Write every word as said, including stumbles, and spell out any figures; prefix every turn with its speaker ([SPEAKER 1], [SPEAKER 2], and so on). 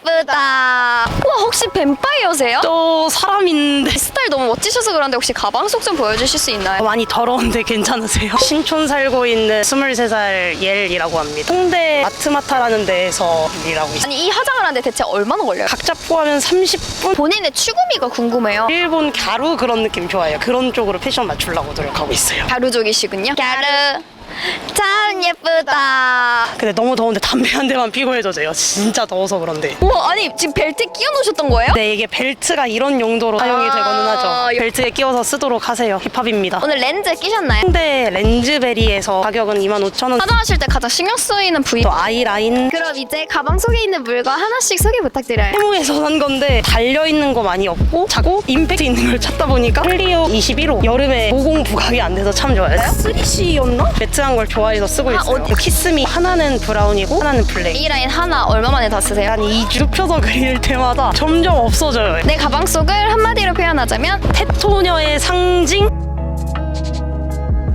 [SPEAKER 1] 예쁘다. 와, 혹시 뱀파이어세요?
[SPEAKER 2] 또 사람인데
[SPEAKER 1] 스타일 너무 멋지셔서 그런데 혹시 가방 속 좀 보여주실 수 있나요?
[SPEAKER 2] 많이 더러운데 괜찮으세요? 신촌 살고 있는 스물세 살 옐이라고 합니다. 홍대 마트마타라는 데에서 일하고 있어요.
[SPEAKER 1] 아니, 이 화장을 하는데 대체 얼마나 걸려요?
[SPEAKER 2] 각자 포함하면 삼십 분?
[SPEAKER 1] 본인의 추구미가 궁금해요.
[SPEAKER 2] 일본 갸루 그런 느낌 좋아해요. 그런 쪽으로 패션 맞추려고 노력하고 있어요.
[SPEAKER 1] 가루족이시군요. 가루 참 예쁘다.
[SPEAKER 2] 근데 너무 더운데 담배 한 대만 피고 해줘져요. 진짜 더워서 그런데.
[SPEAKER 1] 우와, 아니 지금 벨트 끼워 놓으셨던 거예요?
[SPEAKER 2] 네, 이게 벨트가 이런 용도로 사용이
[SPEAKER 1] 아,
[SPEAKER 2] 되거는 하죠.
[SPEAKER 1] 여-
[SPEAKER 2] 벨트에 끼워서 쓰도록 하세요. 힙합입니다.
[SPEAKER 1] 오늘 렌즈 끼셨나요?
[SPEAKER 2] 홍대 렌즈베리에서 가격은 이만 오천 원.
[SPEAKER 1] 화장하실 때 가장 신경 쓰이는 부위.
[SPEAKER 2] 또 아이라인.
[SPEAKER 1] 그럼 이제 가방 속에 있는 물건 하나씩 소개 부탁드려요.
[SPEAKER 2] 테무에서 산 건데 달려있는 거 많이 없고 작고 임팩트 있는 걸 찾다 보니까 클리어 이십일 호. 여름에 모공 부각이 안 돼서 참 좋아요. 쓰리씨였나? 매트한 걸 좋아해서 쓰고
[SPEAKER 1] 아,
[SPEAKER 2] 있어요.
[SPEAKER 1] 어디-
[SPEAKER 2] 키스미 하나는 브라운이고 하나는 블랙.
[SPEAKER 1] 이 라인 하나 얼마 만에 다 쓰세요?
[SPEAKER 2] 한 이 주 펴서 그릴 때마다 점점 없어져요.
[SPEAKER 1] 내 가방 속을 한마디로 표현하자면
[SPEAKER 2] 테토녀의 상징?